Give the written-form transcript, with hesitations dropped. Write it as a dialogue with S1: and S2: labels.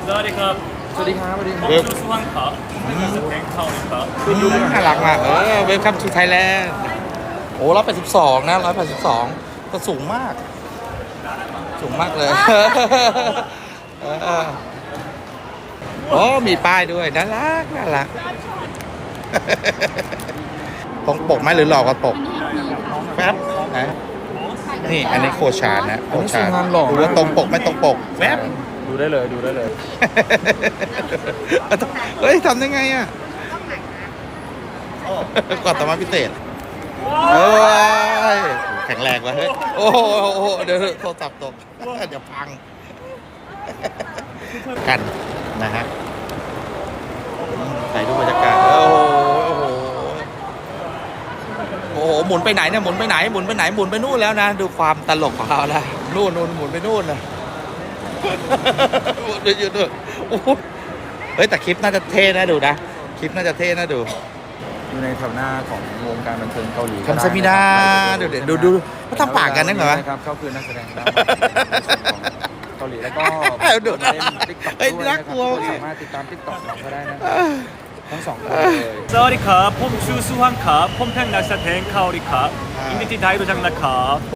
S1: สวัสดีครับ
S2: สวัสดีครับสวัสดีครับ
S1: ผมชื่อสุวรรณครับผมเป็นแทงเข้าครับ
S3: ดูน่ารักมากเวลคัมทูไทยแลนด์โอ้182นะ182ก็สูงมาก สูงมากเลยโอ้มีป้ายด้วยน่ารักตรงปกไหมหรือหลอกกับปกแป๊บนะนี่อันนี้โคชานนะโคชานดูว่าตรงปกไม่ตรงปกแป๊บ
S2: ดูได้เลยดูได้เลย
S3: เฮ้ยทำได้ไงอ่ะก่อนต่อมาพิเศษเอ้ยแข็งแรงว่ะเฮ้ยโอ้โหเดี๋ยวโทรศัพท์ตกเดี๋ยวพังกันนะฮะใส่ดูบรรยากาศโอ้โหหมุนไปไหนเนี่ยหมุนไปไหนหมุนไปนู่นแล้วนะดูความตลกของเขาละนู่นหมุนไปนู่นนะหมุนไปอยู่ด้วยโอ้โหเฮ้ยแต่คลิปน่าจะเท่นะดูนะคลิปน่าจะเท่นะดู
S2: อยู่ในแถวหน้าของวงการบันเทิงเกาหลี
S3: คำซามิดาดูเขาทำปากกันนะเหรอวะ
S2: ครับเขาคือนักแสดงของเกาหลีแล้วก็
S3: ดูนะ
S2: เล่นติ๊กต็อก
S3: เฮ้ย
S2: ด้วย
S3: น่า
S2: นะค
S3: ก
S2: รับ
S3: ลัว
S2: ทุกคนสามารถติดตามติ๊กต็อกเราก็ได้นะทั้งสองคนเลย
S1: สวัสดีครับผมชื่อสุวรรณครับผมเป็นนักแสดงเกาหลีครับยินดีที่ได้รู้จักนะครับ